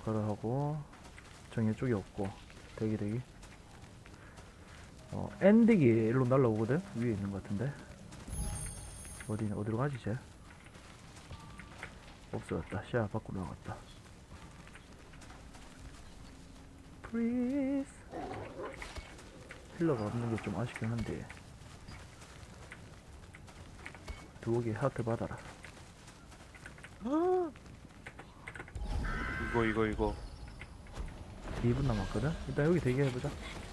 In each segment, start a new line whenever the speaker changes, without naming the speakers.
가라 하고 정해 쪽이 없고 대기 엔딩이 일로 날라오거든. 위에 있는 것 같은데 어디로 가지 쟤? 없어졌다. 시야 밖으로 나갔다. 프리즈 힐러가 없는 게 좀 아쉽긴 한데 두개 하트 받아라.
이거
2분 남았거든? 일단 여기 대기해보자.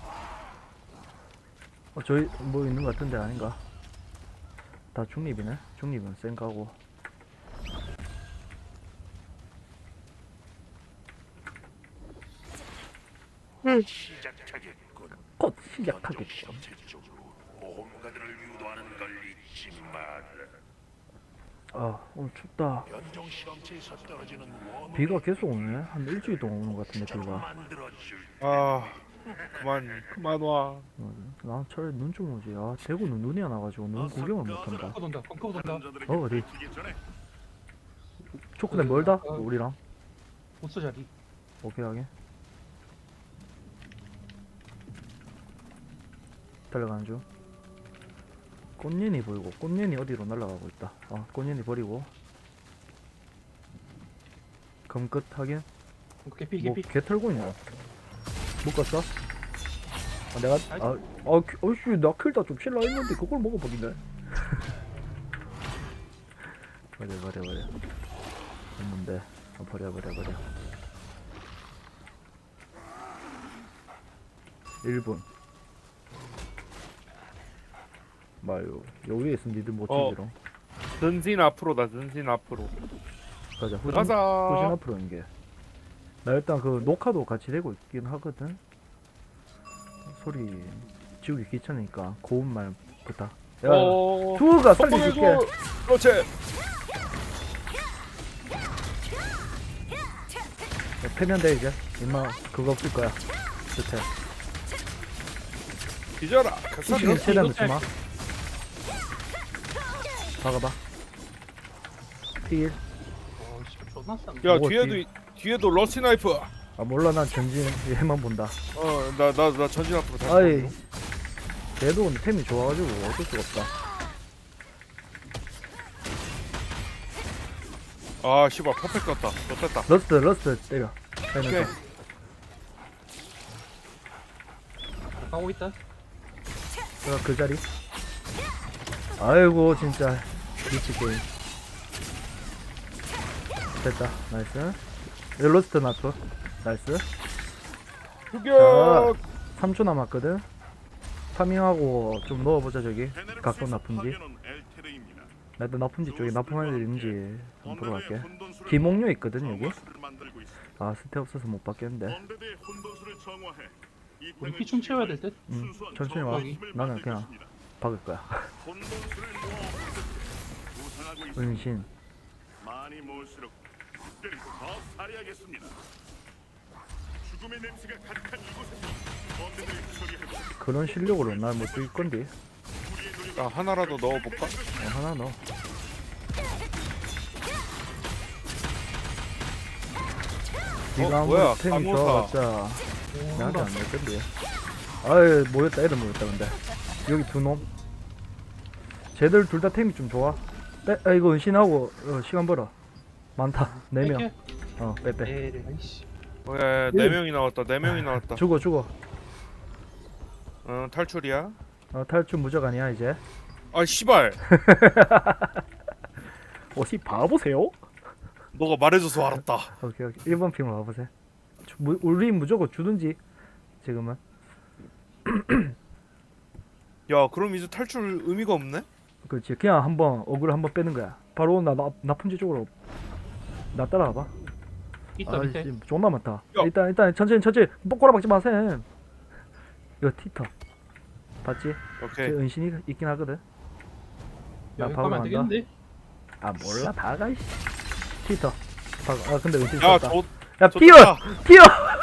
저기 뭐 있는 것 같은데 아닌가? 다 중립이네? 중립은 센가고.
시작하겠군.
곧 시작하겠죠.
전체적으로 모험가들을 유도하는 걸 잊지 마라.
아 오늘 춥다.
변종 실험체에서 떨어지는 원을
비가 계속 오네? 한 일주일 동안 오는 것 같은데 비가.
만들어줄
아 그만 와.
나 차라리 눈 좀 오지. 아 대구는 눈이 안 와가지고 눈 구경을 못한다.
펑커 돈다.
어디? 초코네 멀다? 우리랑?
보스 자리.
오케이 하게. 달려가는 중. 꽃년이 보이고 꽃년이 어디로 날아가고 있다. 꽃년이 버리고 검끝 하긴.
개피
뭐
개피.
개 털고 있냐? 못 갔어? 내가 어이씨 나 킬다 좀 칠라 했는데 그걸 먹어버리네. 버려 했는데 버려 1분 마요 요 위에 있으면 니들 못 치지롱.
전신 앞으로다. 전신 앞으로.
가자 후진
가자.
앞으로 인게. 나 일단 그 녹화도 같이 되고 있긴 하거든. 소리 지우기 귀찮으니까 고운말 부탁. 야 투어가 살려줄게.
그렇지.
패면 돼 이제. 임마 그거 없을 거야. 좋대.
뒤져라.
수시는 최대한 넣지 마. 박아봐. 필.
어씨 존나 싼.
야
먹었지.
뒤에도 러시 나이프.
몰라 난 전진 얘만 본다.
나 전진 앞으로 다시.
아이 걔도 근데 템이 좋아가지고 어쩔 수가 없다.
아 씨발 퍼펙트 떴다. 떴다.
러스트 때려.
오케이.
빼면서.
가고 있다.
그 자리. 아이고 진짜 미치 게임. 됐다. 나이스. 러스트 나프. 나이스.
죽여.
3초 남았거든. 파밍하고 좀 넣어보자 저기. 각도 나쁜지. 나 일단 나쁜지 쪽에 나쁜 애들 있는지 좀 보러 갈게. 기목료 있거든 여기. 스텝 없어서 못 받겠는데.
우리 피 좀 채워야 될 듯.
천천히 와.
여기.
나는 그냥 박을 거야. 은신.
많이 모을수록 특별히 더 살해하겠습니다. 죽음의 냄새가 가득한 이곳에서 범죄들을 처리하고
그런 실력으로 날 못 죽일 건데.
나 하나라도 넣어볼까?
하나 넣어. 네가
뭐야,
아무리 템이
강호사.
좋아봤자 나한테 안 될 건데. 아이 모였다. 애들 모였다 근데. 여기 두 놈. 쟤들 둘 다 템이 좀 좋아. 이거 은신하고 시간 벌어. 많다. 4명. 빼.
에이 아이씨.
야, 4명이 나왔다. 4명이 나왔다.
죽어.
탈출이야.
탈출 무적 아니야 이제.
아 씨발.
씨 봐보세요.
너가 말해줘서 알았다.
오케이 1번 핑으로 와보세요. 우리 무조건 주든지 지금은.
야 그럼 이제 탈출 의미가 없네?
그렇지. 그냥 한번 어글 한번 빼는 거야. 바로 나쁜지 쪽으로 나 따라와봐.
있다 밑에.
씨, 존나 많다.
야.
일단 천천히 뽀꼬라 박지 마셈. 이거 티터 봤지? 제
오케이.
은신이 있긴 하거든. 나
여기
바로
가면 안
간다.
되겠는데?
몰라 박아 이씨. 티터 근데 은신
야
썼다.
저
야
좋다.
뛰어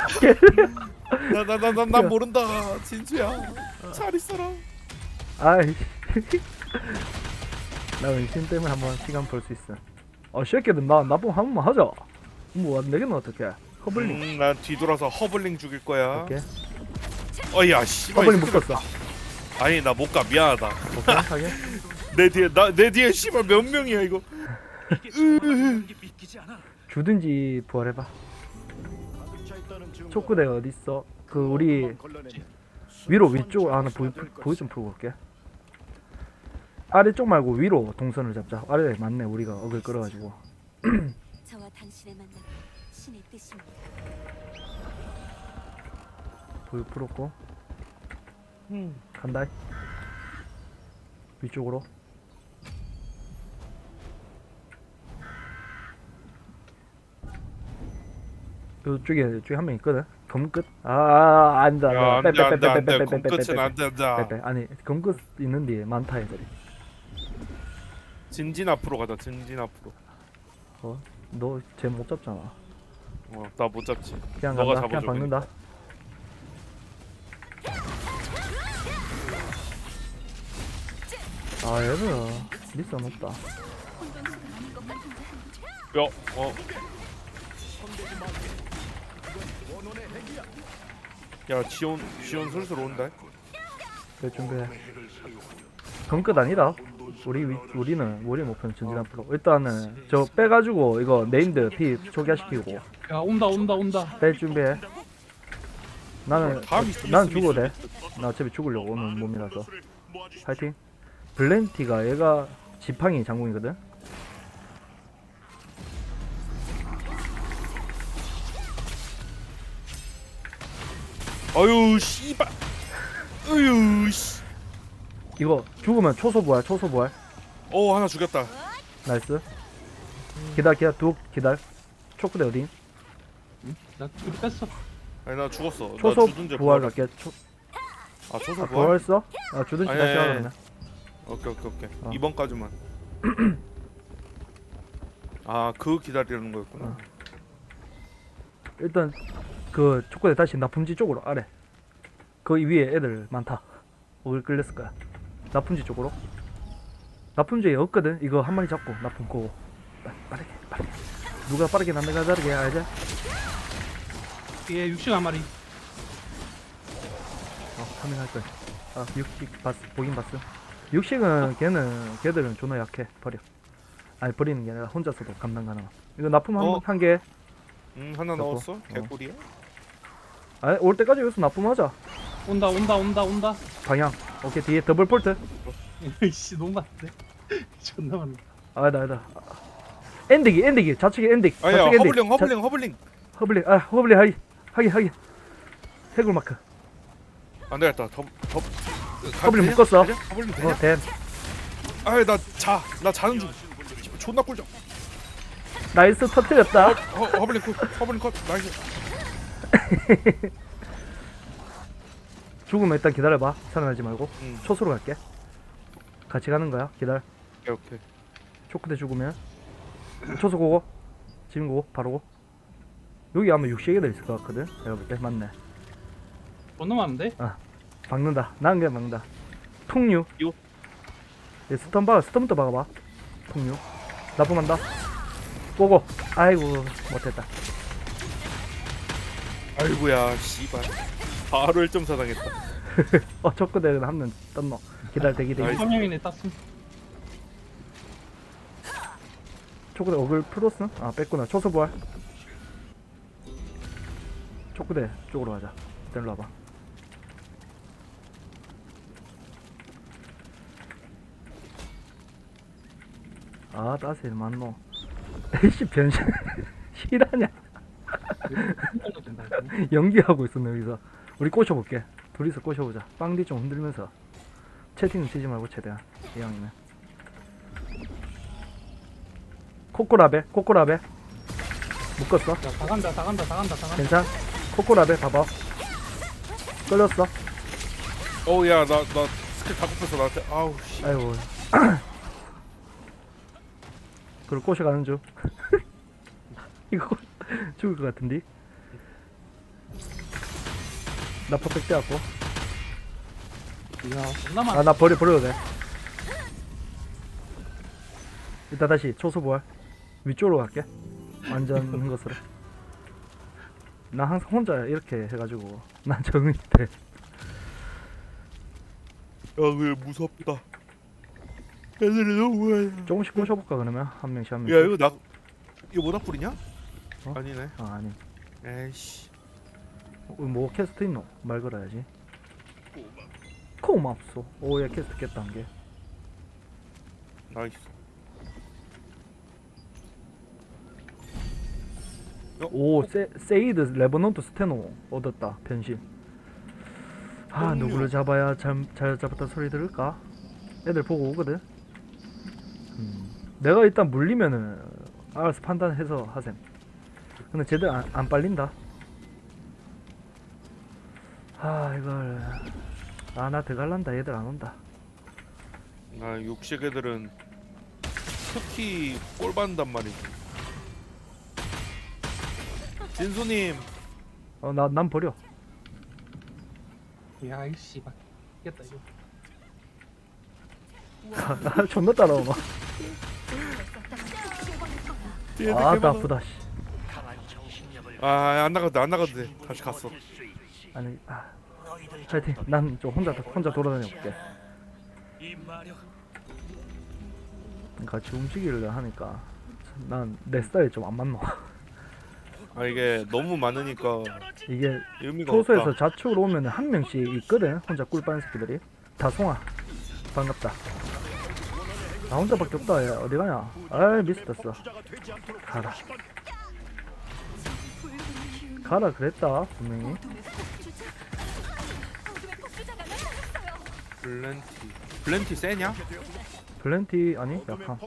난 모른다. 진주야. 잘 있어라.
아이 나 은신 때문에 한번 시간 벌 수 있어. 새끼들 나 나쁜 한 번만 하자. 뭐 안 되겠노 어떡해. 허블링.
난 뒤돌아서 허블링 죽일 거야.
오케이.
어야 씨발.
허블링
이 새끼들.
묶었어.
아니 나 못 가. 미안하다.
오케이. 하게.
내 뒤에 씨발 몇 명이야 이거.
주든지 부활해봐. 촉구대 어디 있어? 그 우리 위로 위쪽 나 보이 좀 풀고 올게. 아래쪽 말고 위로 동선을 잡자. 아래 맞네 우리가 어글 끌어가지고.
저와 당신의 만남 신의 뜻입니다.
보이 풀었고. 간다. 위쪽으로. 이쪽에 한 명 있거든. 검끝. 안다.
야 안돼 안돼 안돼.
빼.
끝은 안 된다.
아니 검끝 있는데 많다 애들이.
진진 앞으로 가자. 진진 앞으로.
너 쟤 못 잡잖아.
나 못 잡지.
그냥
너가
간다. 그냥
잡아줘,
박는다. 얘들아 리스 높다.
야 야 지원 슬슬 온다.
그래 준비해. 검끝 아니다. 우리는 목표는 전진 앞으로. 일단은 저 빼가지고 이거 네임드 피 초기화시키고
야 온다.
뺄 준비해. 나는
다음
난 죽어도 돼. 나 어차피 죽으려고 오는 몸이라서. 파이팅. 블렌티가 얘가 지팡이 장군이거든.
아유 씨발. 아유 씨.
이거 죽으면 초소 부활.
하나 죽였다.
나이스. 기다려 기다려. 초크대 어디?
나 둘이 뺐어.
아니 나 죽었어. 나
초소
주둔제
부활
부활.
갈게.
초소 부활.
부활했어? 주둔지
아니,
다시
아니,
하라
아니.
그러면.
오케이.
어.
2번까지만. 그 기다리는 거였구나.
일단 그 초코대 다시 나품지 쪽으로 아래. 거기 위에 애들 많다. 어글 끌렸을 거야. 나품지 쪽으로. 나품지에 없거든. 이거 한 마리 잡고 나품 꼬고. 빠르게. 누가 빠르게 남내가 다르게 알지?
얘 육식 한 마리.
파밍할 거야. 육식 봤어. 보긴 봤어. 육식은 걔들은 존나 약해. 버려. 아니 버리는 게 아니라 혼자서도 감당 가능. 이거 나품 한 개.
하나
잡고.
넣었어. 개꿀이야.
올 때까지 여기서 나쁨하자.
온다.
방향. 오케이 뒤에 더블 폴트.
이씨 너무 많은데. 존나 많네.
아니다. 엔딩이 좌측에 엔딩.
아야
좌측 엔딩.
허블링.
허블링 하기. 해골 마크.
안 되겠다.
허블링 묶었어.
허블링 되냐?
댐.
나 자는 중. 존나 꿀져.
나이스 터뜨렸다.
허블링 컷. 나이스.
죽으면 일단 기다려봐. 살아나지 말고.
응.
초소로 갈게. 같이 가는 거야. 기다려.
오케이.
초크대 죽으면 초소 고고. 지금 고고. 바로 고. 여기 아마 육식애들 있을 것 같거든. 내가 볼 때 맞네.
존나 많은데?
박는다. 난 그냥 박는다. 통류.
요.
얘 스턴부터 박아봐. 통류. 납품한다. 고고. 아이고 못했다.
아이고야 씨발. 바로 1.4 당했다.
초크대는 한 명 떴노. 대기.
나이스.
한 명이네 땄음.
초크대 어글 풀었어? 뺐구나. 초소 부활. 초크대 쪽으로 가자. 일단 일로 와봐. 따스일 맞노. 에이씨 변신 실하냐.
정도 된다. 이거.
연기하고 있었네 여기서. 우리 꼬셔볼게. 둘이서 꼬셔보자. 빵디 좀 흔들면서. 채팅 치지 말고 최대한. 이 형이는. 코코라베 묶었어.
야, 다 간다.
괜찮? 코코라베 봐봐. 끌렸어.
야 나 스킬 다 굽혔어 나한테. 아우 씨.
아이고. 그걸 꼬셔가는 중. 이거 죽을 것 같은데. 나 퍼펙트 갖고.
야 존나 많아.
나 버려도 돼. 이따 다시 초소 부활. 위쪽으로 갈게. 완전 것으로. 나 항상 혼자 이렇게 해가지고 난 적응이 돼.
야, 왜 무섭다. 애들이 너무 많아.
조금씩 꼬셔볼까 그러면 한 명씩 한 명씩.
야, 이거 모닥불이냐?
어?
아니네.
아 아니.
에이씨.
뭐 캐스트 있노? 말 걸어야지. 고맙소. 오야 캐스트 깼다 한 개.
나이스.
오 세이드 레버넌트 스테노 얻었다 변신. 아
똥류.
누구를 잡아야 잘 잡았다 소리 들을까? 애들 보고 오거든. 내가 일단 물리면은 알아서 판단해서 하셈. 근데 쟤들 안 빨린다. 아 이걸 나 들어갈란다. 얘들 안 온다.
나 육식 애들은 특히 꼴 받는단 말이지. 진수님.
난 버려.
야, 이 씨발. 깼다 이거.
나 존나 따라오마. 아 나쁘다 씨.
안 나가도 돼. 다시 갔어.
아니 파이팅. 난 좀 혼자 돌아다녀 볼게. 같이 움직이려 하니까 난 내 스타일이 좀 안 맞노.
아, 이게 너무 많으니까
이게
의미가
초소에서
없다.
좌측으로 오면은 한 명씩 있거든. 혼자 꿀 빠는 새끼들이. 다송아 반갑다. 나 혼자밖에 없다. 얘 어디 가냐? 아이 미스됐어. 가라 그랬다 분명히.
블렌티 세냐?
블렌티 아니 약한.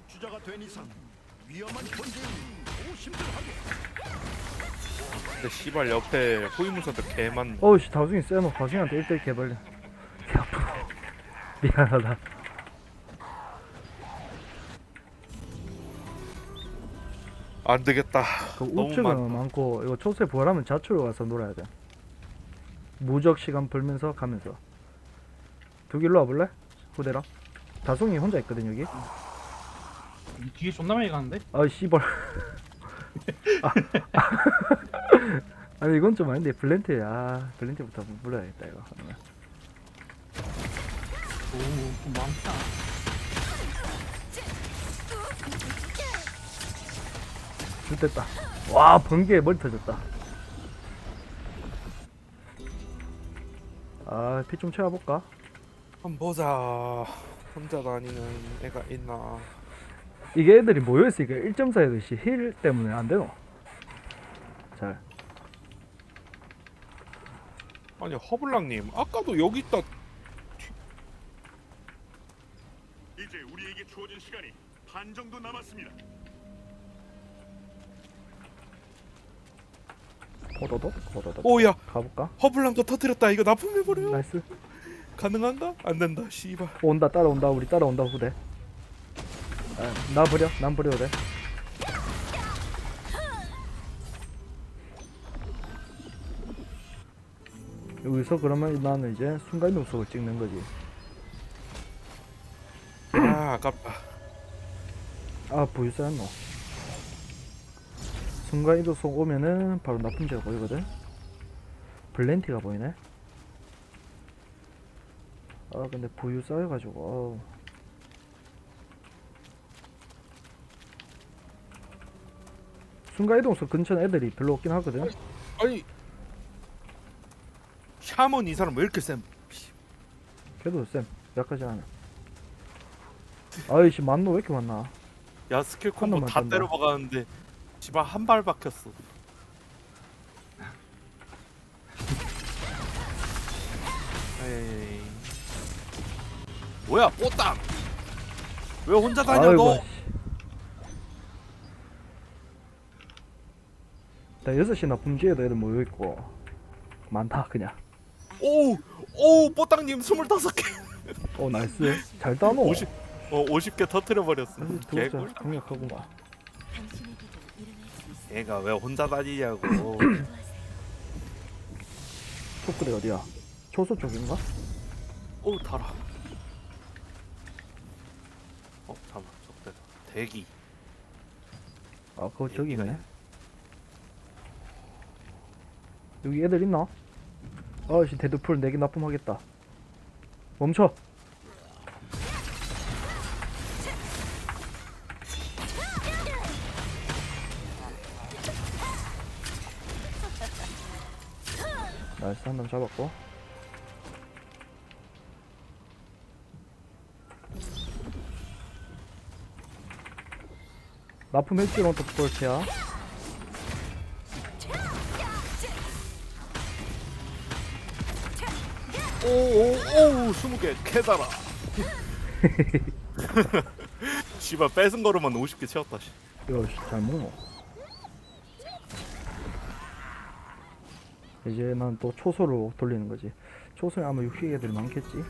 근데 씨발 옆에 호위무사들 개 많네.
어우씨 다중이 세노. 다중이한테 1대1 개발려. 개 아프다. 미안하다.
안 되겠다.
그
너무
우측은
많다.
많고 이거 초세 부활하면 좌측으로 가서 놀아야 돼. 무적 시간 벌면서 가면서. 두 길로 와볼래? 후대랑. 다송이 혼자 있거든 여기.
이 뒤에 존나 많이 가는데?
아 씨발. 아니 이건 좀 아닌데 블렌트. 아 블렌트부터 불러야겠다 이거.
오, 좀 많다.
좋됐다. 와 번개에 머리 터졌다. 아 피 좀 채워볼까?
한번 보자. 혼자 다니는 애가 있나?
이게 애들이 모여있으니까 1.4듯이 힐 때문에 안 되노. 잘.
아니 허블랑님 아까도 여기 있다.
이제 우리에게 주어진 시간이 반 정도 남았습니다.
호도독.
오야
가볼까?
허블랑도 터뜨렸다. 이거 납품해버려.
나이스.
가능한가? 안 된다. 씨발.
온다 따라온다. 우리 따라온다 후대. 아, 나 버려. 난 버려도 돼. 여기서 그러면 나는 이제 순간이동 속을 찍는 거지.
아 아깝다.
아 부유사였노. 순간이동 속 오면은 바로 납품제가 보이거든. 블렌티가 보이네. 아 근데 부유 쌓여가지고 어우. 순간이동석 근처에 애들이 별로 없긴 하거든.
아니 샤먼 이 사람 왜 이렇게 쌤?
걔도 쌤 약하지 않아. 아이씨 만노 왜 이렇게 많나.
야 스킬
한
콤보
놈만
다
쏜다.
때려박았는데 씨발 한 발 박혔어. 에이. 뭐야 뽀땅? 왜 혼자 다녀 너?
씨. 나 6시 납품지에도 애들 모여있고 많다 그냥.
오 뽀땅님 25개.
오 나이스. 잘 따노.
50개 터트려 버렸어.
두자
개꿀.
강력하구만.
당신에게도 일어날 수 있어.
얘가 왜 혼자 다니냐고.
초크대 어디야? 초소 쪽인가?
오 달아. 잠깐 적대다. 대기.
아 그거 저기 있네. 여기 애들 있나? 아씨 데드풀 4개 납품하겠다. 멈춰. 나이스 한 놈 잡았고. 납품 했지롱 또 볼트야.
오오오 20개 캐다라. 씨발 뺏은 거로만 50개 채웠다. 씨.
이거 잘 먹노. 이제 난 또 초소로 돌리는 거지. 초소에 아마 육식 애들이 많겠지.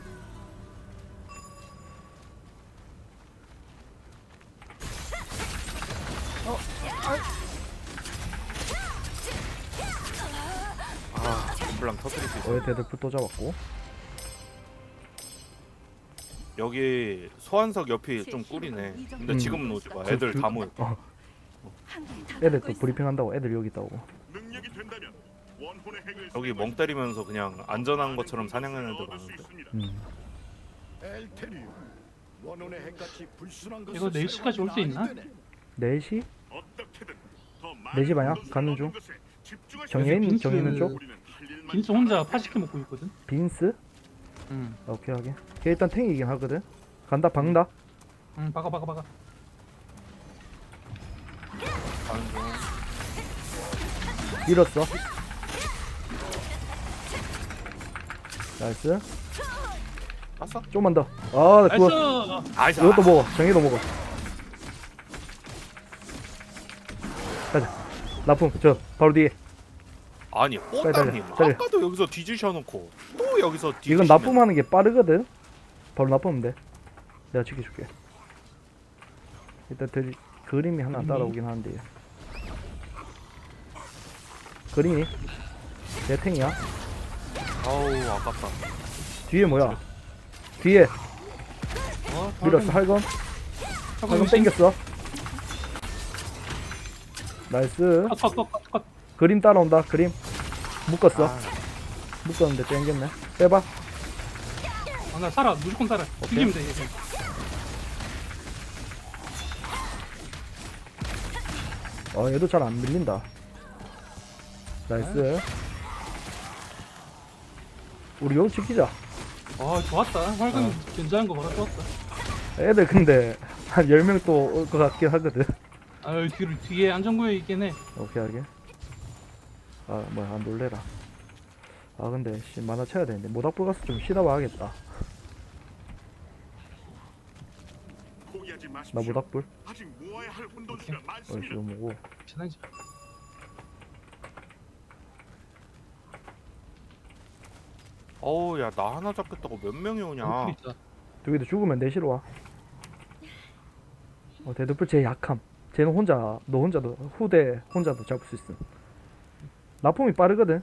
아 덤블랑 터뜨릴 수 있어.
어에 데드풀 또 잡았고.
여기 소환석 옆이 좀 꿀이네. 근데 지금은 오지 마. 애들 다 모여.
애들 또 브리핑 한다고. 애들 여기 있다고.
능력이 된다면 원혼의 핵을
여기 멍 때리면서 그냥 안전한 것처럼 사냥하는 애들 많은데.
엘테리움 원혼의 핵같이 불순한 것을
이거 4시까지 올 수 있나?
4시?
어떻게든 더
내 집 아니야?
많은
가는 중.
것에 집중하셔야
정해 있는
빈스-
정해 있는 쪽?
우리는 할 일만
빈스 혼자 파시켜 먹고 있거든.
빈스?
응.
오케이 하게. 걔 일단 탱이긴 하거든. 간다 박는다.
응, 박아.
가는 중.
밀었어. 나이스.
봤어?
좀만 더. 아, 그거
나이스.
아이스.
이것도 먹어. 정해도 먹어. 가자. 납품 저 바로 뒤에.
아니 뽀따님
빨리.
아까도 여기서 뒤지셔놓고 또 여기서 뒤지시면
이건 납품하는 게 빠르거든. 바로 납품하면 돼. 내가 지켜줄게. 일단 그림이 하나 따라오긴 하는데. 그림이 내 탱이야.
아우 아깝다.
뒤에 뭐야? 뒤에 밀었어. 할건
할건
땡겼어. 나이스.
컷.
그림 따라온다. 그림 묶었어.
아,
묶었는데 땡겼네. 빼봐.
아, 나 살아. 무조건 살아. 죽이면 돼. 이제.
얘도 잘 안 밀린다. 나이스. 우리 여기 지키자.
아, 좋았다. 활강 견제한 거 봐라. 좋았다.
애들 근데 한 10명 또 올 것 같긴 하거든.
아유, 뒤에 안전구에 있긴 해.
오케이 하게. 뭐야 놀래라. 근데 씨 만화 쳐야 되는데 모닥불 가서 좀 쉬다 와야겠다.
포기하지 마십시오.
나 모닥불.
아직 모아야 할 혼돈수가 많습니다.
이거 뭐고.
괜찮지.
어우 야 나 하나 잡겠다고 몇 명이 오냐.
있다.
저기도 죽으면 내시로 와. 데드풀 쟤 약함. 쟤는 혼자 너 혼자도 후대 혼자도 잡을 수 있음. 납품이 빠르거든.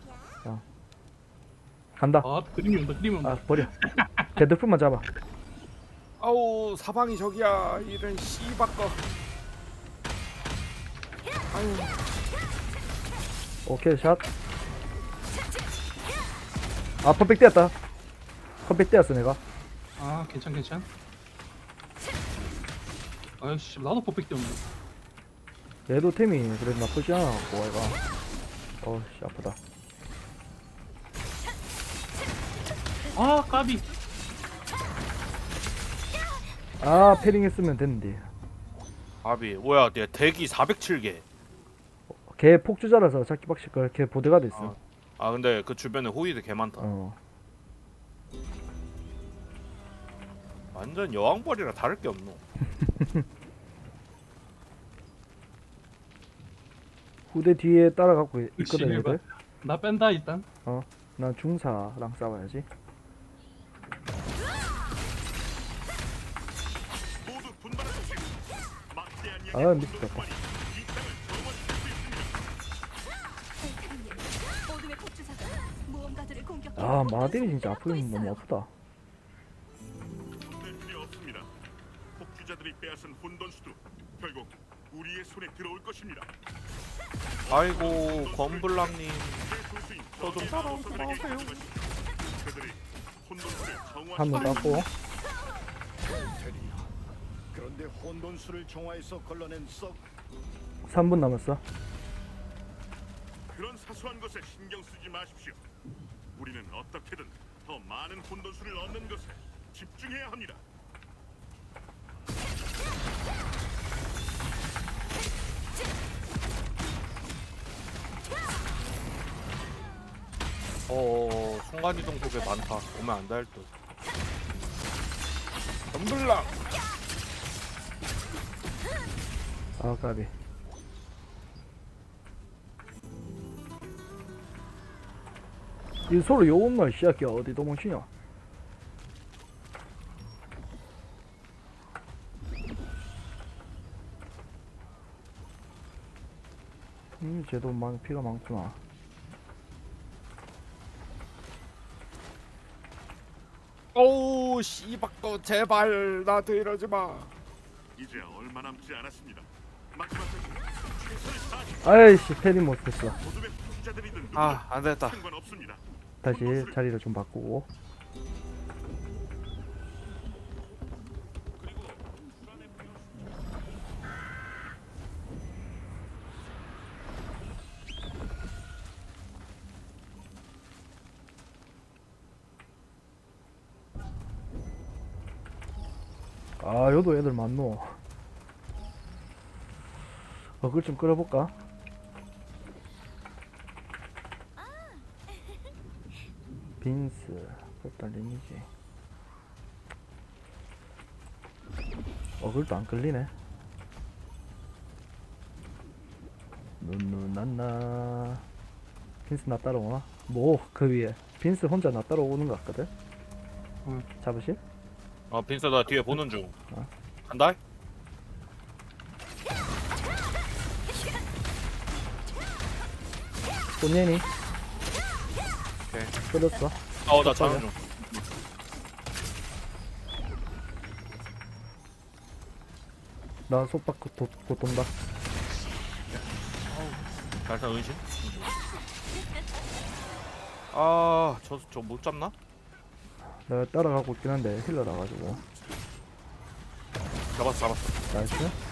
간다.
아, 그림이 온다.
버려. 데드풀만 잡아.
아우 사방이 저기야 이런 씨바꺼. 아유
오케이 샷. 퍼펙트 였다. 퍼펙트 였어 내가.
아, 괜찮. 아이씨, 나도 퍼펙트 없네.
얘도 템이 그래도 나쁘지 않아 갖고 얘가. 씨 아프다.
아, 까비.
패링 했으면 됐는데.
아비 뭐야 얘 대기 407개.
걔 폭주자라서 잡기 빡실걸. 걔 보드가드 있어.
아 근데 그 주변에 호위도 개 많다. 완전 여왕벌이라 다를 게 없노.
후대 뒤에 따라가고 있거든
열심히 해봐.
얘들.
나 뺀다 일단.
난 중사랑 싸워야지.
모두 분발하십시오. 막대한
미쳤다.
어둠의 폭주사가 무언가들을 공격해.
마딜이 진짜 아프긴 너무 아프다.
필요 없습니다. 폭주자들이 빼앗은 혼돈수도 결국 우리의 손에 들어올 것입니다.
아이고 권블랑님
제 소수인
저좀 따라오세요.
그들이 혼돈수를
한 번 땄고.
그런데 혼돈수를 정화해서 걸러낸 썩
3분 남았어.
그런 사소한 것에 신경 쓰지 마십시오. 우리는 어떻게든 더 많은 혼돈수를 얻는 것에 집중해야 합니다.
순간이동 속에 많다. 오면 안 될 듯.
덤블랑.
아 까비. 이 서로 요것만 시작해. 어디 도망치냐. 쟤도 피가 많구나.
오우 씨박도 제발 나한테 이러지 마.
이제 얼마 남지 않았습니다. 마지막까지 최선을 다하십시오.
아이씨 패딩 못했어.
어둠의 투자들이든 누구든
안 됐다.
상관없습니다.
다시 자리를 좀 바꾸고. 아 여도 애들 많노. 그걸 좀 끌어볼까? 빈스 일단 리니지. 그걸도 안 끌리네. 눈누난나. 빈스 나 따라오나? 뭐 그 위에 빈스 혼자 나 따라오는 것 같거든?
응.
잡으실?
빈스 나 뒤에 보는 중.
어.
간다.
꽃예니
오케이.
끌었어.
나 자는 중.
나 속박 곧 돈다.
발사 은신. 저 못 잡나?
내가 따라가고 있긴 한데 힐러 나가지고.
잡았어.
나이스.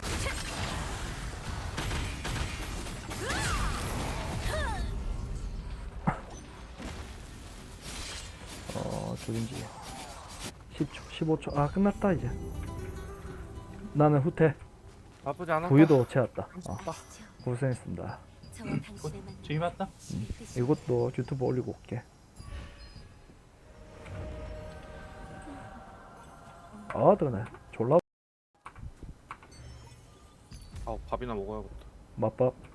저긴지 10초 15초. 아 끝났다 이제. 나는 후퇴.
나쁘지 않아.
부유도 채웠다. 고생했습니다.
저와 당신의 만남
저기 맞다.
이것도 유튜브 올리고 올게. 뜨거네. 졸라
밥이나 먹어야겠다.
맛밥.